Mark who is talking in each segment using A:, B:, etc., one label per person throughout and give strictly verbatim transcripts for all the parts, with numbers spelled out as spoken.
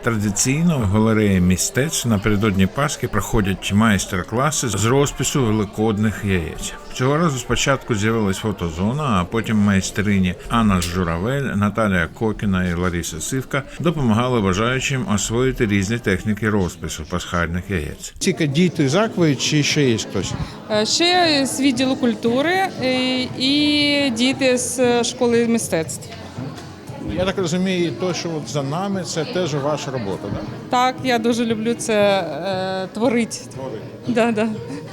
A: Традиційно в галереї мистецтв напередодні Пасхи проходять майстер-класи з розпису великодних яєць. Цього разу спочатку з'явилась фотозона, а потім майстрині Анна Журавель, Наталія Кокіна і Лариса Сивка допомагали бажаючим освоїти різні техніки розпису пасхальних яєць.
B: Тільки діти з Акви чи ще є хтось?
C: Ще з відділу культури і діти з школи мистецтв.
B: Я так розумію, те, що от за нами, це теж ваша робота, так?
C: Так, я дуже люблю це е, творити.
B: Творити.
C: Да, да.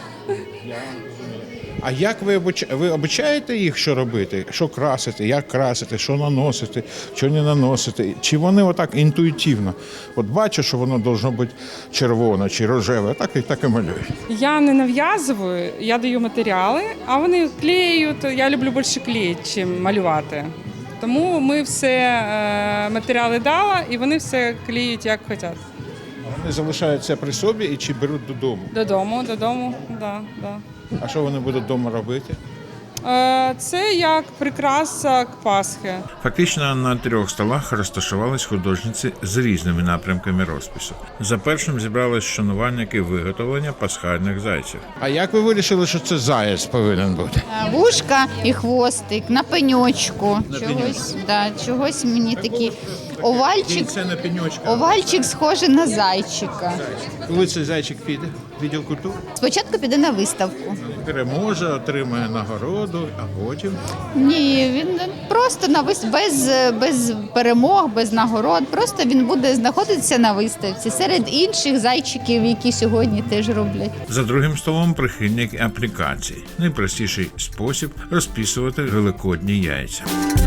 B: А як ви обучаєте? Ви обучаєте їх, що робити? Що красити, як красити, що наносити, що не наносити? Чи вони отак інтуїтивно? От бачу, що воно должно бути червоне чи рожеве, так і так і малюють.
C: Я не нав'язую, я даю матеріали, а вони клеють. Я люблю більше клеїти, ніж малювати. Тому ми все е, матеріали дала, і вони все клеють, як хочуть.
B: Вони залишаються при собі і чи беруть додому?
C: Додому, додому, да, да.
B: А що вони будуть вдома робити?
C: Е, це як прикраса к Пасхи.
A: Фактично на трьох столах розташувались художниці з різними напрямками розпису. За першим зібрались шанувальники виготовлення пасхальних зайців.
B: А як ви вирішили, що це заяць повинен бути?
D: Вушка і хвостик на пеньочку.
B: На
D: Чогось,
B: пеньочку.
D: да, чогось мені такий овальчик.
B: Це на пеньочка.
D: Овальчик схожий на зайчика.
B: Коли цей зайчик піде? Відділ культури?
D: Спочатку піде на виставку.
B: Переможе, отримає нагороду, а потім?
D: Ні, він просто на вис... без, без перемог, без нагород. Просто він буде знаходитися на виставці серед інших зайчиків, які сьогодні теж роблять.
A: За другим столом прихильник аплікацій. Найпростіший спосіб розписувати великодні яйця.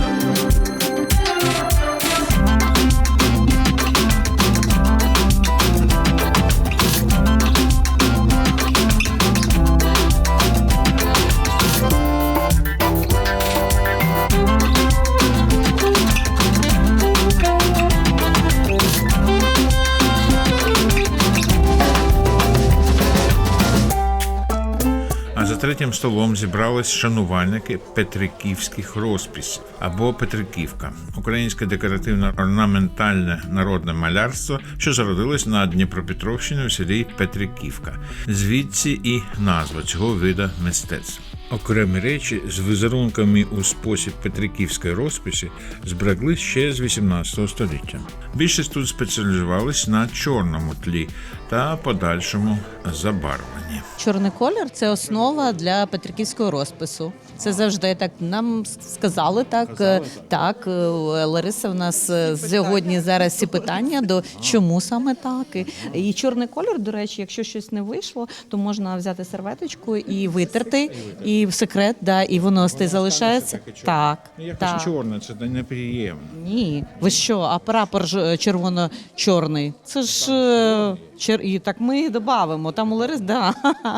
A: А за третім столом зібрались шанувальники петриківських розписів або Петриківка – українське декоративно-орнаментальне народне малярство, що зародилось на Дніпропетровщині у селі Петриківка. Звідси і назва цього вида мистецтва. Окремі речі з візерунками у спосіб петриківської розписи зберегли ще з вісімнадцятого століття. Більшість тут спеціалізувались на чорному тлі та подальшому забарвленні.
E: Чорний колір – це основа для петриківського розпису. Це завжди так нам сказали. Так,
B: Казали,
E: так. Лариса в нас сьогодні зараз ці питання до чому саме так. І, і чорний колір, до речі, якщо щось не вийшло, то можна взяти серветочку і витерти, і в секрет, да, і воно стає залишається. Так,
B: Якось
E: так.
B: чорне, це неприємно.
E: Ні, ви що, а прапор ж червоно-чорний? Це ж е, чер... і так ми додамо. Там у Ларис, да.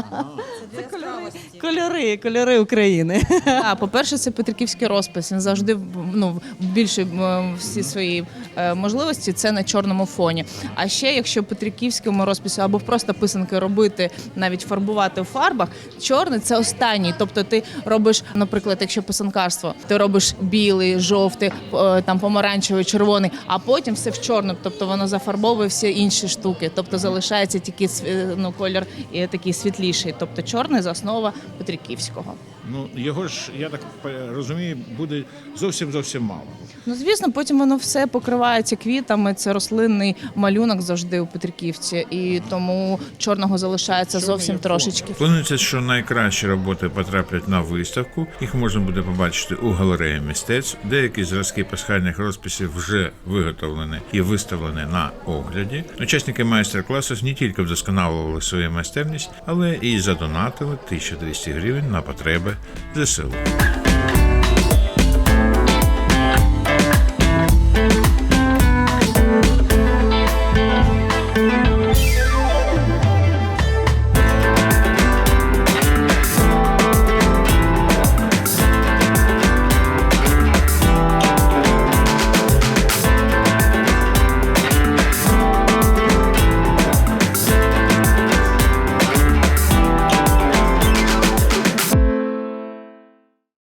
E: Це кольори, кольори, кольори України.
F: А, по-перше, це петриківський розпис. Він завжди ну, більше всі свої е, можливості це на чорному фоні. А ще, якщо петриківському розпису або просто писанки робити, навіть фарбувати у фарбах, чорний – це останній. Тобто ти робиш, наприклад, якщо писанкарство, ти робиш білий, жовтий, е, там помаранчевий, червоний, а потім все в чорному. Тобто воно зафарбовує всі інші штуки. Тобто залишається тільки ну, колір і такий світліший. Тобто чорний – за основа петриківського.
B: Ну, його ж, я так розумію, буде зовсім-зовсім мало.
F: Ну, звісно, потім воно все покривається квітами, це рослинний малюнок завжди у Петриківці, і тому чорного залишається зовсім трошечки.
A: Планується, що найкращі роботи потраплять на виставку. Їх можна буде побачити у галереї мистецтв. Деякі зразки пасхальних розписів вже виготовлені і виставлені на огляді. Учасники майстер-класу не тільки вдосконалювали свою майстерність, але і задонатили тисячу двісті гривень на потреби зе се у.